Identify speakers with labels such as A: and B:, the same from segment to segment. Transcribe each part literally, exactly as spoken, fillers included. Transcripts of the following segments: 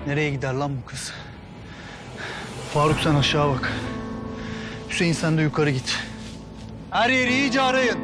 A: Nereye gider lan bu kız? Faruk sen aşağı bak. Hüseyin sen de yukarı git. Her yeri iyice arayın.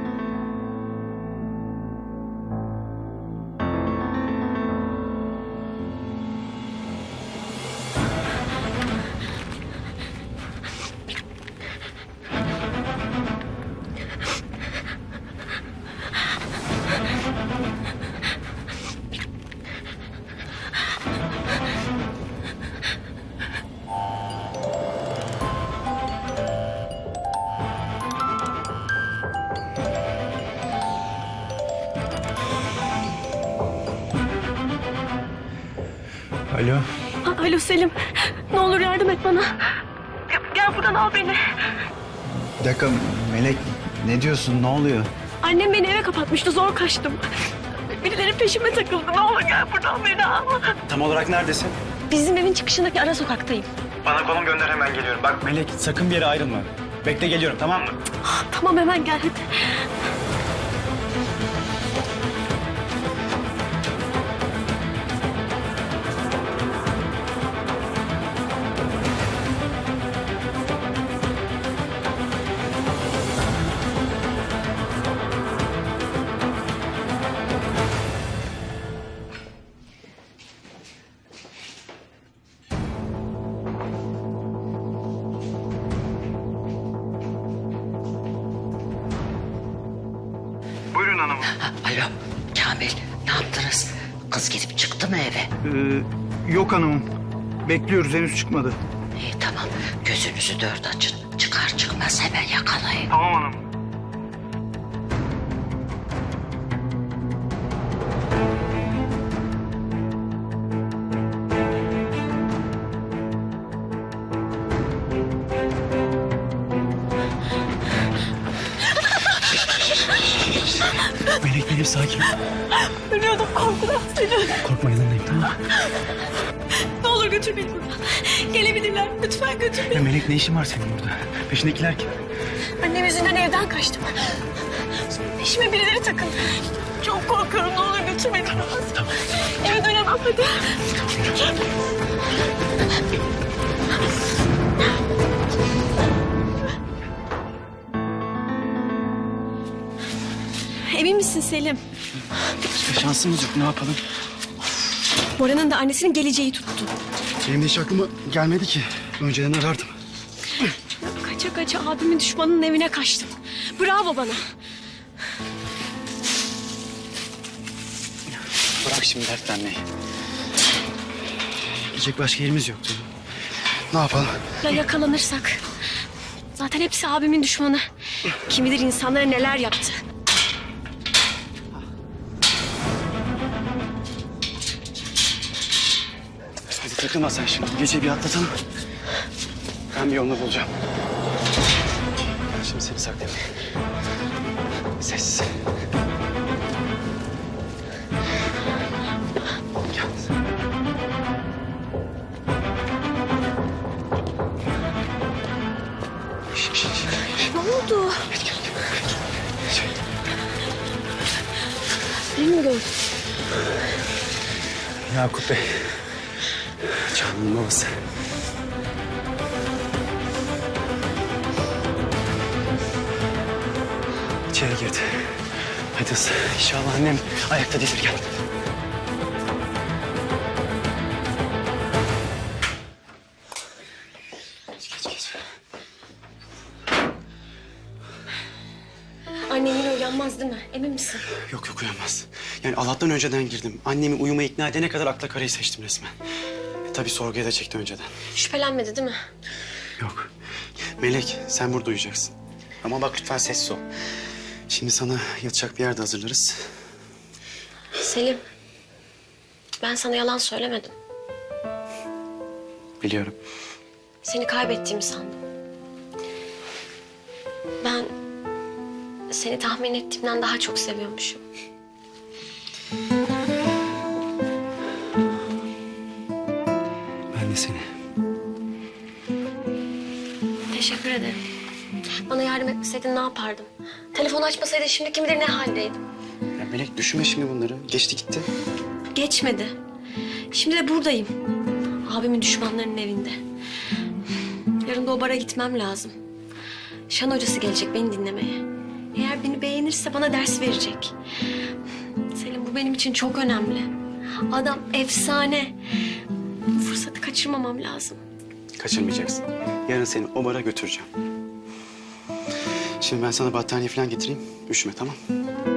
A: Alo.
B: A- Alo Selim. Ne olur yardım et bana. Gel, gel buradan al beni.
A: Bir dakika Melek, ne diyorsun, ne oluyor?
B: Annem beni eve kapatmıştı, zor kaçtım. Birileri peşime takıldı. Ne olur gel buradan beni al.
C: Tam olarak neredesin?
B: Bizim evin çıkışındaki ara sokaktayım.
C: Bana konum gönder, hemen geliyorum. Bak Melek, sakın bir yere ayrılma. Bekle, geliyorum, tamam mı?
B: Tamam hemen gel hadi.
C: Buyurun hanımım.
D: Alo Kamil, ne yaptınız? Kız gidip çıktı mı eve?
A: Ee, yok hanımım. Bekliyoruz, henüz çıkmadı.
D: İyi tamam, gözünüzü dört açın. Çıkar çıkmaz hemen yakalayın.
C: Tamam hanım.
A: Melek benim, sakin ol.
B: Ölüyordum korkudan Selim.
A: Korkma, yanındayım, tamam mı?
B: Ne olur götür beni buradan. Gelebilirler. Lütfen götür beni.
A: Ya Melek, ne işin var senin burada? Peşindekiler kim?
B: Annem yüzünden evden kaçtım. Peşime birileri takıldı. Çok korkuyorum. Ne olur götür beni. Tamam,
A: tamam.
B: Eve dönemem hadi. Emin misin Selim?
A: Başka şansımız yok, ne yapalım?
B: Bora'nın da annesinin geleceği tuttu.
A: Benim de hiç aklıma gelmedi ki. Önceden arardım.
B: Kaça kaça abimin düşmanının evine kaçtım. Bravo bana.
A: Bırak şimdi dertlenmeyi. Gidecek başka yerimiz yoktu. Ne yapalım?
B: Ya yakalanırsak? Zaten hepsi abimin düşmanı. Kim bilir insanlara neler yaptı.
A: Hadi takılma sen şimdi. Gece bir atlatalım. Ben bir yolunu bulacağım. Şimdi seni saklayayım. Sessiz. Gel. Şş, şş, şş.
B: Ne oldu?
A: Gel, gel, gel.
B: Beni mi gördün?
A: Yakup Bey. Canan'ın babası. İçeri girdi. Hadi hızlı. İnşallah annem ayakta değildir. Gel. Geç, geç, geç.
B: Annen yine uyanmaz değil mi? Emin misin?
C: Yok yok, uyanmaz. Yani Allah'tan önceden girdim. Annemi uyumaya ikna edene kadar akla karayı seçtim resmen. E, tabii sorguya da çekti önceden.
B: Şüphelenmedi değil mi?
C: Yok. Melek, sen burada uyuyacaksın. Ama bak lütfen sessiz ol. Şimdi sana yatacak bir yerde hazırlarız.
B: Selim. Ben sana yalan söylemedim.
C: Biliyorum.
B: Seni kaybettiğimi sandım. Ben seni tahmin ettiğimden daha çok seviyormuşum.
A: Ben de seni.
B: Teşekkür ederim. Bana yardım etmeseydin ne yapardım? Telefon açmasaydın şimdi kim bilir ne haldeydim.
C: Ya Melek, düşünme şimdi bunları. Geçti gitti.
B: Geçmedi. Şimdi de buradayım. Abimin düşmanlarının evinde. Yarın da o bara gitmem lazım. Şan hocası gelecek beni dinlemeye. Eğer beni beğenirse bana ders verecek. Selim, bu benim için çok önemli. Adam efsane. Bu fırsatı kaçırmamam lazım.
C: Kaçırmayacaksın. Yarın seni o bara götüreceğim. Şimdi ben sana battaniye falan getireyim. Üşüme, tamam?